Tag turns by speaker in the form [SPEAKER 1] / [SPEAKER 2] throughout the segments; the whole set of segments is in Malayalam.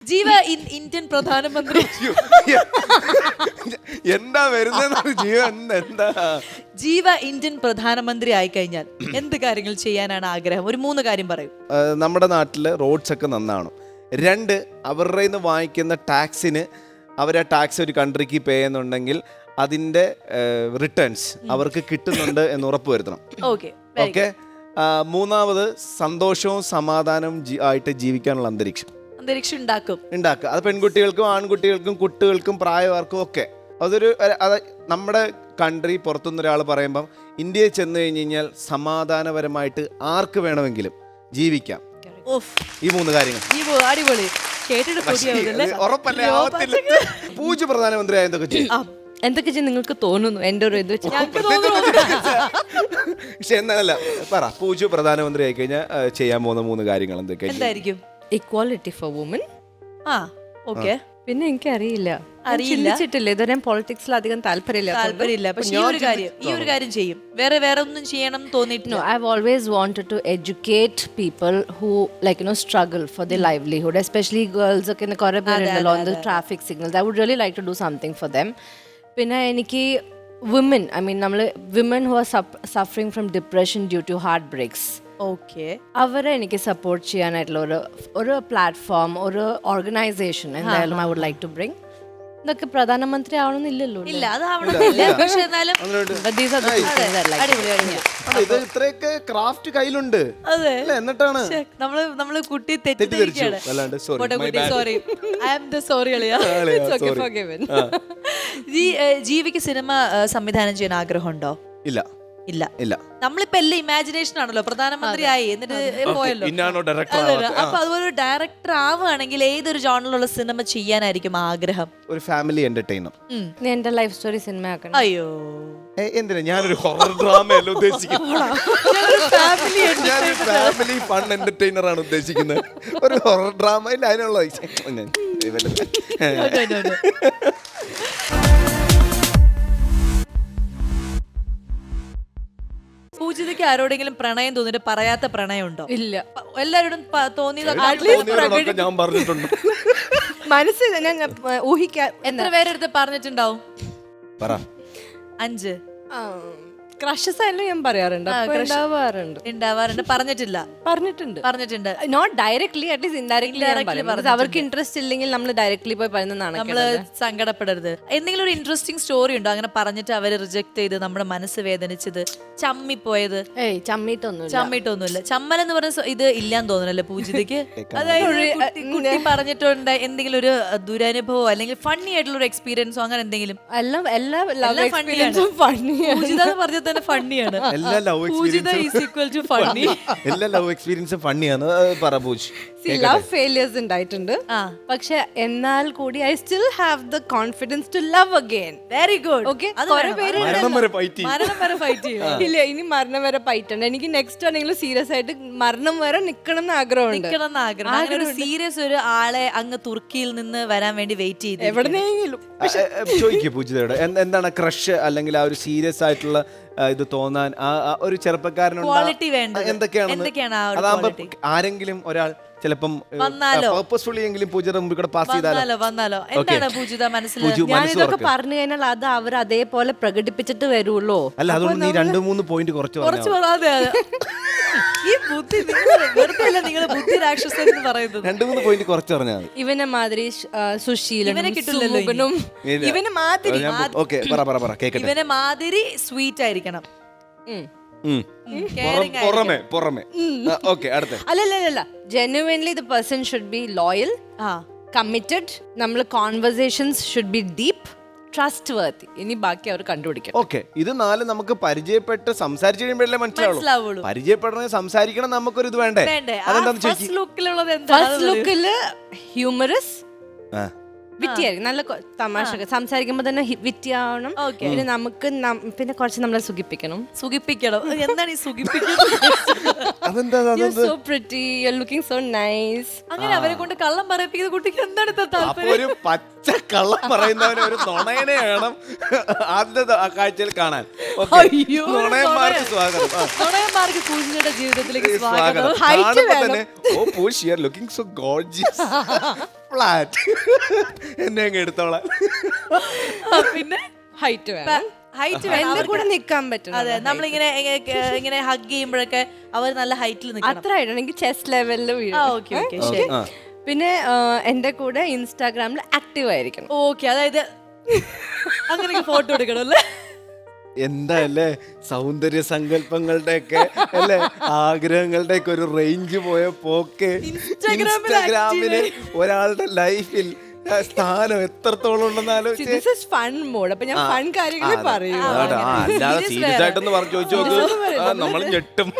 [SPEAKER 1] ജീവ ഇന്ത്യൻ പ്രധാനമന്ത്രി.
[SPEAKER 2] എന്താ വരുന്നത് ജീവൻ? എന്താ
[SPEAKER 1] ജീവ ഇന്ത്യൻ പ്രധാനമന്ത്രി ആയിക്കഴിഞ്ഞാൽ എന്ത് കാര്യങ്ങൾ ചെയ്യാനാണ് ആഗ്രഹം? ഒരു 3 കാര്യം പറയും.
[SPEAKER 2] നമ്മുടെ നാട്ടില് റോഡ്സ് ഒക്കെ നന്നാവണം. 2, അവരുടെ നിന്ന് വാങ്ങിക്കുന്ന ടാക്സിന് അവർ ആ ടാക്സ് ഒരു കൺട്രിക്ക് പേ ചെയ്യുന്നുണ്ടെങ്കിൽ അതിന്റെ റിട്ടേൺസ് അവർക്ക് കിട്ടുന്നുണ്ട് എന്ന് ഉറപ്പുവരുത്തണം.
[SPEAKER 1] ഓക്കെ.
[SPEAKER 2] 3, സന്തോഷവും സമാധാനവും ആയിട്ട് ജീവിക്കാനുള്ള അന്തരീക്ഷം ഉണ്ടാക്കുക. അത് പെൺകുട്ടികൾക്കും ആൺകുട്ടികൾക്കും കുട്ടികൾക്കും പ്രായമാർക്കും ഒക്കെ. അത് നമ്മുടെ കൺട്രി പുറത്തുനിന്ന് ഒരാൾ പറയുമ്പം ഇന്ത്യയിൽ ചെന്ന് കഴിഞ്ഞ് കഴിഞ്ഞാൽ സമാധാനപരമായിട്ട് ആർക്ക് വേണമെങ്കിലും ജീവിക്കാം. ഈ 3 കാര്യങ്ങൾ
[SPEAKER 1] അടിപൊളി.
[SPEAKER 2] ഉറപ്പല്ലേ? ആവത്തില്ല. പൂജ പ്രധാനമന്ത്രി എന്തൊക്കെ ചെയ്യും?
[SPEAKER 3] എന്തൊക്കെ ചെയ്യും നിങ്ങൾക്ക് തോന്നുന്നു? എൻ്റെ ഒരു ഇത്
[SPEAKER 2] പക്ഷെ എന്നല്ല പറ, പൂജ പ്രധാനമന്ത്രി ആയി കഴിഞ്ഞാൽ ചെയ്യാൻ പോകുന്ന 3 കാര്യങ്ങൾ എന്തൊക്കെയായിരിക്കും?
[SPEAKER 3] Equality for woman. പിന്നെ എനിക്കറിയില്ല, ചിന്തിച്ചിട്ടില്ല ഇതുവരെ. പൊളിറ്റിക്സിൽ അധികം താല്പര്യമില്ല.
[SPEAKER 1] പക്ഷെ ഈ ഒരു കാര്യം ചെയ്യും. വേറെ ഒന്നും ചെയ്യണം തോന്നിയിട്ടില്ല.
[SPEAKER 3] I have always wanted to educate people who struggle for their livelihood, especially girls ഒക്കെ കുറെ പേരുണ്ടല്ലോ on the traffic signals. I would really like to do something for them. പിന്നെ എനിക്ക് women, women who are suffering from depression due to heartbreaks, അവരെ എനിക്ക് സപ്പോർട്ട് ചെയ്യാനായിട്ടുള്ള ഒരു പ്ലാറ്റ്ഫോം, ഒരു ഓർഗനൈസേഷൻ എന്തായാലും I would like to bring. ഇതൊക്കെ പ്രധാനമന്ത്രി ആവണമെന്നില്ലല്ലോ.
[SPEAKER 1] ഇല്ല, അതാവണമെന്നില്ല. പക്ഷെ എന്നാലും
[SPEAKER 2] ഇത്രയൊക്കെ ക്രാഫ്റ്റ് കയ്യിലുണ്ട്. എന്നിട്ടാണ്
[SPEAKER 1] നമ്മള് കുട്ടി തെറ്റിദ്ധരിക്കുകയാണ്. Sorry, I am the sorry അളിയാ. ജീവിക്ക് സിനിമ സംവിധാനം ചെയ്യാൻ ആഗ്രഹമുണ്ടോ?
[SPEAKER 2] ഇല്ല.
[SPEAKER 1] നമ്മളിപ്പോ എല്ലാം ഇമാജിനേഷൻ ആണല്ലോ. പ്രധാനമന്ത്രി ആയി എന്നിട്ട് പോയല്ലോ. അപ്പൊ അതുപോലെ ഒരു ഡയറക്ടർ ആവുകയാണെങ്കിൽ ഏതൊരു ജോണറിലുള്ള സിനിമ ചെയ്യാനായിരിക്കും ആഗ്രഹം?
[SPEAKER 2] ഒരു ഫാമിലി എന്റർടൈനർ.
[SPEAKER 3] എന്റെ ലൈഫ് സ്റ്റോറി സിനിമ ആക്കണം.
[SPEAKER 1] അയ്യോ,
[SPEAKER 2] എന്തിനാ? ഞാനൊരു ഹൊറർ ഡ്രാമയല്ല ഉദ്ദേശിക്കുന്നത്. ഫാമിലി ഫൺ എന്റർടൈനർ ആണ് ഉദ്ദേശിക്കുന്നത്. ഒരു ഹൊറർ ഡ്രാമ ഇല്ല അതിനുള്ള.
[SPEAKER 1] പൂജിതയ്ക്ക് ആരോടെങ്കിലും പ്രണയം തോന്നിട്ട് പറയാത്ത പ്രണയം ഉണ്ടോ?
[SPEAKER 3] ഇല്ല.
[SPEAKER 1] എല്ലാരോടും തോന്നിയതൊക്കെ
[SPEAKER 2] ഞാൻ പറഞ്ഞിട്ടുണ്ട്.
[SPEAKER 3] മനസ്സിൽ ഞാൻ ഊഹിക്കാൻ.
[SPEAKER 1] എത്ര പേരെടുത്ത് പറഞ്ഞിട്ടുണ്ടാവും? 5
[SPEAKER 3] ക്രഷസ് ആയാലും ഞാൻ പറയാറുണ്ട്.
[SPEAKER 1] ഉണ്ടാവാറുണ്ട്. പറഞ്ഞിട്ടുണ്ട്.
[SPEAKER 3] Not directly, at least indirectly. അവർക്ക് ഇൻട്രസ്റ്റ് ഇല്ലെങ്കിൽ നമ്മൾ ഡയറക്ട്ലി പോയി പറയുന്നതാണ്.
[SPEAKER 1] നമ്മള് സങ്കടപ്പെടരുത്. എന്തെങ്കിലും ഒരു ഇൻട്രസ്റ്റിംഗ് സ്റ്റോറി ഉണ്ടോ അങ്ങനെ പറഞ്ഞിട്ട് അവര് റിജക്ട് ചെയ്ത് നമ്മുടെ മനസ്സ് വേദനിച്ചത്, ചമ്മിപ്പോയത്? ചമ്മിട്ടൊന്നുമില്ല. ചമ്മൽ എന്ന് പറഞ്ഞ ഇത് ഇല്ലാന്ന് തോന്നുന്നല്ലേ പൂജിതയ്ക്ക്? അതായത് കുട്ടി പറഞ്ഞിട്ടുണ്ട് എന്തെങ്കിലും ഒരു ദുരനുഭവം അല്ലെങ്കിൽ ഫണ്ണി ആയിട്ടുള്ള ഒരു എക്സ്പീരിയൻസോ അങ്ങനെ എന്തെങ്കിലും? പറഞ്ഞ ഫണ്ണിയാണ്.
[SPEAKER 2] എല്ലാ ലവ് എക്സ്പീരിയൻസും ഫണ്ണിയാണ്.
[SPEAKER 3] ലവ് ഫെയിലിയേഴ്സ് ഉണ്ടായിട്ടുണ്ട്, പക്ഷെ എന്നാൽ കൂടി I still have the confidence to love again.
[SPEAKER 1] Very good.
[SPEAKER 3] ഇല്ല, ഇനി മരണം വരെ ഫൈറ്റ് ഉണ്ട് എനിക്ക്. നെക്സ്റ്റ് ആണെങ്കിലും സീരിയസ് ആയിട്ട് മരണം വരെ നിക്കണം എന്ന് ആഗ്രഹമുണ്ട്.
[SPEAKER 1] ഒരു സീരിയസ് ഒരു ആളെ അങ്ങ് തുർക്കിയിൽ നിന്ന് വരാൻ വേണ്ടി വെയിറ്റ് ചെയ്ത്
[SPEAKER 3] എവിടെന്നെങ്കിലും
[SPEAKER 2] ചോദിക്കൂ പൂജിതയോട്, എന്താണ് ക്രഷ് അല്ലെങ്കിൽ ആ ഒരു സീരിയസ് ആയിട്ടുള്ള ഇത് തോന്നാൻ ഒരു ചെറുപ്പക്കാരനുണ്ട്
[SPEAKER 1] എന്തൊക്കെയാണ്?
[SPEAKER 2] അതാകുമ്പോ ആരെങ്കിലും ഒരാൾ ചിലപ്പം പർപ്പസ്ഫുള്ളി എങ്കിലും പൂജയുടെ മുമ്പിൽ കൂടെ പാസ്
[SPEAKER 1] വന്നാലോ എന്താണ് പൂജിത മനസ്സിലായി?
[SPEAKER 3] ഞാനിതൊക്കെ പറഞ്ഞു കഴിഞ്ഞാൽ അത് അവർ അതേപോലെ പ്രകടിപ്പിച്ചിട്ട് വരുള്ളൂ.
[SPEAKER 2] അല്ല, അതുകൊണ്ട് നീ 2-3 പോയിന്റ് കുറച്ച്
[SPEAKER 1] ഈ ബുദ്ധി നിങ്ങൾ ബുദ്ധി രാക്ഷസൻ എന്ന് പറയുന്നത്
[SPEAKER 2] 2-3 പോയിന്റ് കുറച്ച് പറഞ്ഞാൽ
[SPEAKER 3] ഇവനെ മാതിരി സുശീലനും സുമുഖനും ഇവനെ മാതിരി
[SPEAKER 1] ഇവനെ മാതിരി സ്വീറ്റ് ആയിരിക്കണം.
[SPEAKER 3] അല്ലല്ല, genuinely the person should be loyal, committed. നമ്മൾ conversations should be deep, trustworthy. ഇനി ബാക്കി അവർ കണ്ടുപിടിക്കും.
[SPEAKER 2] ഓക്കെ, ഇത് 4 നമുക്ക് പരിചയപ്പെട്ട് സംസാരിച്ചു കഴിയുമ്പോഴല്ലേ മനസ്സിലാവുള്ളൂ. പരിചയപ്പെടണേ സംസാരിക്കണം, നമുക്കൊരു ഇത് വേണ്ടേ?
[SPEAKER 1] ഫസ്റ്റ്
[SPEAKER 3] ലുക്കില് ഹ്യൂമറസ്, വിറ്റിയായിരിക്കും, നല്ല തമാശ സംസാരിക്കുമ്പോ തന്നെ വിറ്റിയാവണം. പിന്നെ നമുക്ക് പിന്നെ കുറച്ച് നമ്മളെ സുഖിപ്പിക്കണം.
[SPEAKER 1] എന്താണ് ഈ സുഖിപ്പിക്കുന്നത്?
[SPEAKER 3] So pretty, you're looking so nice.
[SPEAKER 1] അങ്ങനെ അവരെ കൊണ്ട് കള്ളം പറയിപ്പിക്കുന്ന കുട്ടിക്ക് എന്താണ് താല്പര്യം?
[SPEAKER 2] ഒരു പച്ച കള്ളം പറയുന്നവനെ ഒരു നുണയനെ വേണം ആദ്യത്തെ കാഴ്ചയിൽ കാണാൻ. നുണയന്മാർക്ക് സ്വാഗതം.
[SPEAKER 1] നുണയന്മാർക്ക് പൂജിതയുടെ ജീവിതത്തിലേക്ക് സ്വാഗതം.
[SPEAKER 2] ഓ Pooja, you are looking so gorgeous. Flat എന്നെ അങ്ങ് എടുത്തോളാം.
[SPEAKER 1] പിന്നെ
[SPEAKER 3] ഹൈറ്റ് വേണം,
[SPEAKER 1] ഹൈറ്റ്
[SPEAKER 3] എന്റെ കൂടെ നിൽക്കാൻ പറ്റും.
[SPEAKER 1] അതെ, നമ്മളിങ്ങനെ ഇങ്ങനെ ഹഗ് ചെയ്യുമ്പോഴൊക്കെ അവർ നല്ല ഹൈറ്റിൽ നിൽക്കണം.
[SPEAKER 3] അത്ര ഹൈറ്റ് എനിക്ക് ചെസ്റ്റ് ലെവലിൽ വീഴും.
[SPEAKER 1] ഓക്കെ ഓക്കെ ശരി.
[SPEAKER 3] പിന്നെ എന്റെ കൂടെ ഇൻസ്റ്റാഗ്രാമിൽ ആക്റ്റീവ് ആയിരിക്കണം.
[SPEAKER 1] ഓക്കെ, അതായത് അങ്ങനെ ഫോട്ടോ എടുക്കണം അല്ലേ?
[SPEAKER 2] എന്താ അല്ലേ സൗന്ദര്യ സങ്കല്പങ്ങളുടെ ഒക്കെ അല്ലെ ആഗ്രഹങ്ങളുടെ ഒക്കെ ഒരു റേഞ്ച് പോയ പോക്ക്. ഇൻസ്റ്റാഗ്രാമില് ഒരാളുടെ ലൈഫിൽ സ്ഥാനം എത്രത്തോളം ഉണ്ടെന്ന് ആലോചിച്ച്.
[SPEAKER 3] Fun mode. അപ്പൊ ഞാൻ ഫൺ കാര്യങ്ങൾ പറയൂ.
[SPEAKER 2] അല്ലാതെ സീരിയസ് ആയിട്ടൊന്ന് പറഞ്ഞു ചോദിച്ചു നോക്ക്, നമ്മൾ ഞെട്ടും.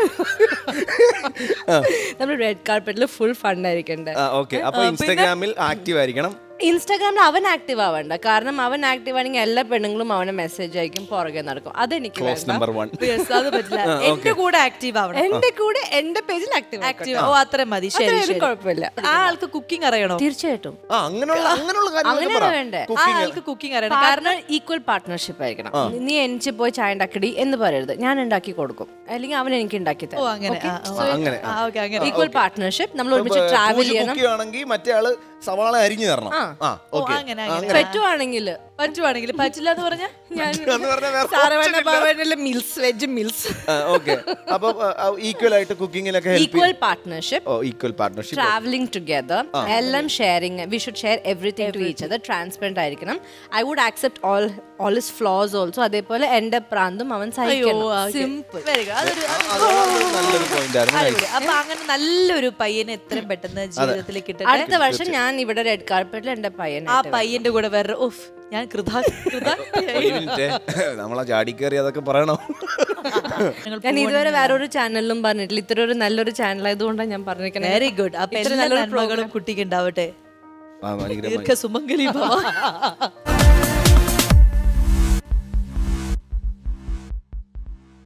[SPEAKER 3] നമ്മൾ റെഡ് കാർപ്പറ്റിൽ ഫുൾ ഫൺ ആയിരിക്കണ്ടേ.
[SPEAKER 2] ഓക്കെ, അപ്പൊ ഇൻസ്റ്റാഗ്രാമിൽ ആക്റ്റീവ് ആയിരിക്കണം.
[SPEAKER 3] ഇൻസ്റ്റാഗ്രാമിൽ അവൻ ആക്റ്റീവ് ആവണ്ട, കാരണം അവൻ ആക്റ്റീവ് ആണെങ്കിൽ എല്ലാ പെണ്ണുങ്ങളും അവനെ മെസ്സേജ് അയക്കും, പുറകെ നടക്കും. അതെനിക്ക്
[SPEAKER 2] ക്ലോസ് നമ്പർ 1.
[SPEAKER 1] അത് പറ്റില്ല. എന്റെ കൂടെ ആക്റ്റീവ് ആവണം.
[SPEAKER 3] എന്റെ കൂടെ എന്റെ പേജിൽ ആക്റ്റീവ്
[SPEAKER 1] ആക്റ്റീവ്. ഓ അത്ര മതി. ശരി ശരി,
[SPEAKER 3] കുഴപ്പമില്ല.
[SPEAKER 1] ആ ആൾക്ക് കുക്കിംഗ് അറിയണോ?
[SPEAKER 3] തീർച്ചയായിട്ടും
[SPEAKER 2] അങ്ങനെയുള്ള
[SPEAKER 3] അങ്ങനെ വേണ്ടേ.
[SPEAKER 1] ആ ആൾക്ക് കുക്കിംഗ് അറിയണം.
[SPEAKER 3] കാരണം ഈക്വൽ പാർട്ട്ണർഷിപ്പ് ആയിരിക്കണം. നീ എനിക്ക് പോയി ചായ ഉണ്ടാക്കടി എന്ന് പറയരുത്, ഞാൻ ഉണ്ടാക്കി കൊടുക്കും, അല്ലെങ്കിൽ അവൻ എനിക്ക് ഉണ്ടാക്കി
[SPEAKER 1] ഓ അങ്ങനെ
[SPEAKER 2] അങ്ങനെ
[SPEAKER 1] അങ്ങനെ
[SPEAKER 3] ഈക്വൽ പാർട്ട്ണർഷിപ്പ്. നമ്മൾ ഒരുമിച്ച് ട്രാവൽ ചെയ്യണം.
[SPEAKER 2] ആണെങ്കിൽ മറ്റേ ആള് സവാള അരിഞ്ഞു തരണം.
[SPEAKER 3] പറ്റുവാണെങ്കിൽ
[SPEAKER 1] പറ്റില്ല എന്ന് പറഞ്ഞാൽ
[SPEAKER 3] മിൽസ്, വെജ് മിൽസ്.
[SPEAKER 2] ഓക്കെ, അപ്പൊ ഈക്വൽ ആയിട്ട് കുക്കിങ്ങിലൊക്കെ
[SPEAKER 3] equal partnership,
[SPEAKER 2] equal partnership,
[SPEAKER 3] travelling together, എല്ലാം sharing. We should share everything to each other. Transparent ആയിരിക്കണം. I would accept all his flaws also. അതേപോലെ എന്റെ പ്രാന്തും അവൻ സഹിക്കണം. സിമ്പിൾ.
[SPEAKER 2] നല്ലൊരു പോയിന്റ് ആയിരുന്നു.
[SPEAKER 1] അപ്പൊ അങ്ങനെ നല്ലൊരു പയ്യനെ എത്രയും പെട്ടെന്ന് ജീവിതത്തിലേക്ക് കിട്ടട്ടെ.
[SPEAKER 3] അടുത്ത വർഷം ഞാൻ ഇവിടെ റെഡ് കാർപ്പറ്റിൽ എന്റെ പയ്യൻ,
[SPEAKER 1] ആ പയ്യന്റെ കൂടെ വേറെ ഓഫ് ഞാൻ
[SPEAKER 2] നമ്മളെ ചാടി കയറി അതൊക്കെ പറയണോ?
[SPEAKER 3] ഞാൻ ഇതുവരെ വേറൊരു ചാനലിലും പറഞ്ഞിട്ടില്ല. ഇത്ര ഒരു നല്ലൊരു ചാനൽ ആയതുകൊണ്ടാണ് ഞാൻ പറഞ്ഞിരിക്കുന്നത്.
[SPEAKER 1] Very good. അപ്പൊ എല്ലാ നന്മകളും കുട്ടിക്ക് ഉണ്ടാവട്ടെ. ദീർഘ സുമംഗലി ഭവ.